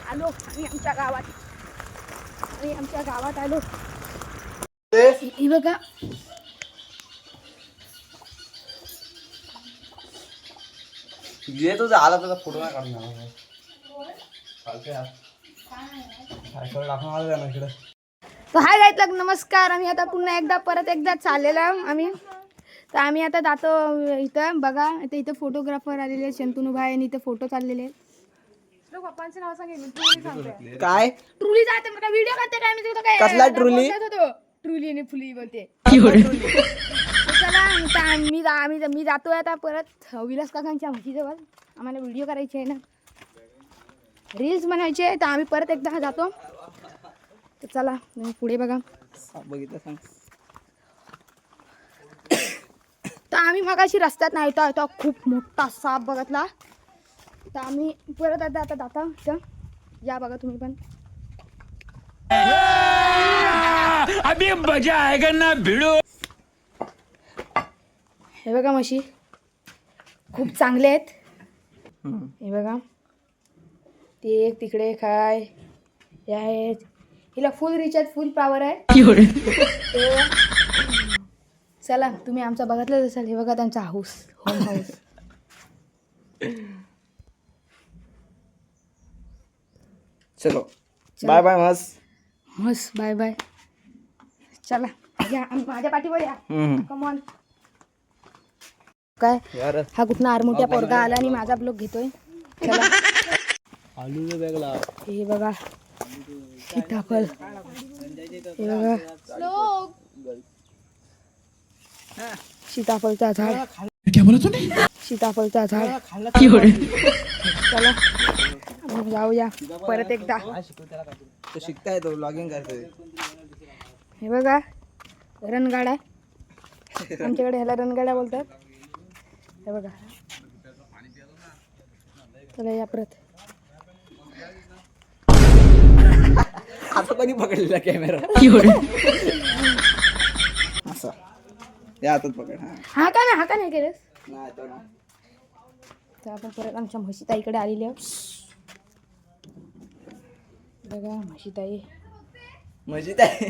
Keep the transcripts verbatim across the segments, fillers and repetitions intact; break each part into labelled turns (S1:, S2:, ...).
S1: आलो आम्ही आमच्या गावात आम्ही आमच्या गावात आलो. ही बघा
S2: ये तुझा आला तुझा फोटो नाही काढणार चालतंय यार सायकल टाकून आलो ना इकडे.
S1: तर हाय गाईत नमस्कार. आम्ही आता पुन्हा एकदा परत एकदा चाललेलो आहे आम्ही. तर आम्ही आता जातो इथं बघा आता इथं फोटोग्राफर आलेले आहेत शंतनू भाई आणि इथं फोटो चाललेले आहेत. पप्पांचं नाव सांगेल
S2: काय
S1: ट्रुली जाते मला व्हिडिओ करते काय मी तुझं काय
S2: कसला ट्रुली
S1: ट्रुली आणि फुली बोलते. चला आता मी आम्ही मी जातोय आता परत विलास काकांच्या म्हशीजवळ. आम्हाला व्हिडिओ करायचे आहे ना रील्स बनवायचे आहे तर आम्ही परत एकदा जातो. तर चला पुढे बघा
S2: बघितलं सांग.
S1: तर आम्ही मगाशी रस्त्यात नाही येतो येतो खूप मोठा साप बघितला. तर आम्ही परत आता आता जाता तर या बघा तुम्ही पण.
S3: अभी मजा आएगा ना भिड़ो.
S1: हे बघा म्हशी खूप चांगले आहेत. हे बघा ते एक तिकडे काय हे आहेत. हिला फुल रिचार्ज फुल पॉवर आहे. चला तुम्ही आमचा बघितलंच असाल. हे बघा त्यांचा हाऊस होम हाऊस.
S2: चलो बाय बाय मस्त
S1: मस्त बाय बाय. चला या माझ्या पाठीवर या. कमॉन काय हा कुठनं आरमोठ्या पोरगा आला आणि माझा ब्लॉग घेतोय. चला
S2: आलू वेगळा
S1: हे बघा सीताफळ. हे बघा सीताफळचा झाड.
S3: क्या बोला तूने?
S1: सीताफळचा झाड. चला आपण जाऊया परत एकदा.
S2: तो शिकताय तो ब्लॉगिंग करतोय.
S1: हे बघा रणगाडा आमच्याकडे ह्याला रणगाडा बोलतात. हे बघा चला या परत.
S2: आता कोणी पकडलेला कॅमेरा असा या हातात पकड. हा
S1: हा का नाही हा का नाही केलंस.
S2: नाही तो नाही.
S1: तर आपण परत आमच्या म्हशीताईकडे आलेली आहोत. बघा म्हशीताई
S2: मजेत आहे.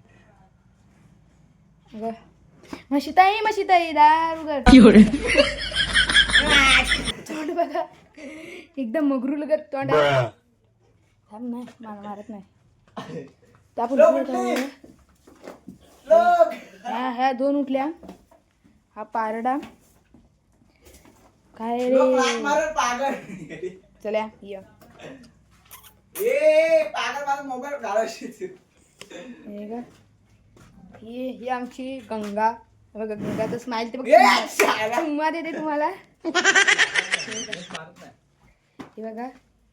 S1: बघा म्हशीताई म्हशीताई दार उघड. तोंड बघा एकदम मगरू लगत तोंड. थांब नाही मला मारत नाही. तर आपण ह्या ह्या दोन उठल्या. हा पारडा काय रे. चल्या ये हे का ही ही आमची गंगा. बघा गंगाचं स्माइल ते बघा चुम्मा देते तुम्हाला. हे बघा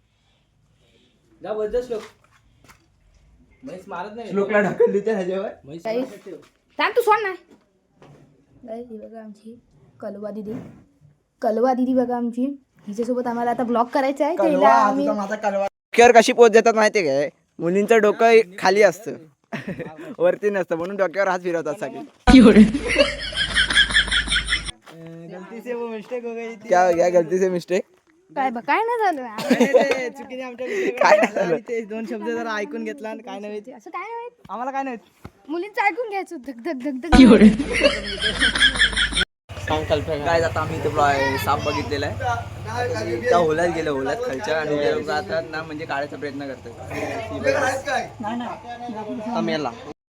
S2: श्लोकला ढकलली त्या ह्याच्यावर.
S1: सांग तू सोड नाही. ही बघा आमची कलवा दिदी. कलवा दिदी बघा आमची. हिच्यासोबत आम्हाला आता ब्लॉग करायचा आहे. तिला आम्ही
S2: डोक्यावर कशी पोच देतात माहितीये काय. मुलींचं डोकं खाली असतं वरती नसतं म्हणून डोक्यावर हात फिरवतात सगळे. क्या क्या गलती से मिस्टेक
S1: काय बघ काय नाही झालं.
S2: चुकीने आमच्या काय झालं. ते दोन शब्द जरा ऐकून घेतला आणि काय नव्हे
S1: असं काय नाही
S2: आम्हाला काय नाही.
S1: मुलींचं ऐकून घ्यायचं धक धक धक धक.
S2: काय जाता आम्ही इथे साप बघितलेला आहे. त्या होलात गेलं होलात खालच्या आणि ते लोक आता ना म्हणजे काढायचा प्रयत्न करतात.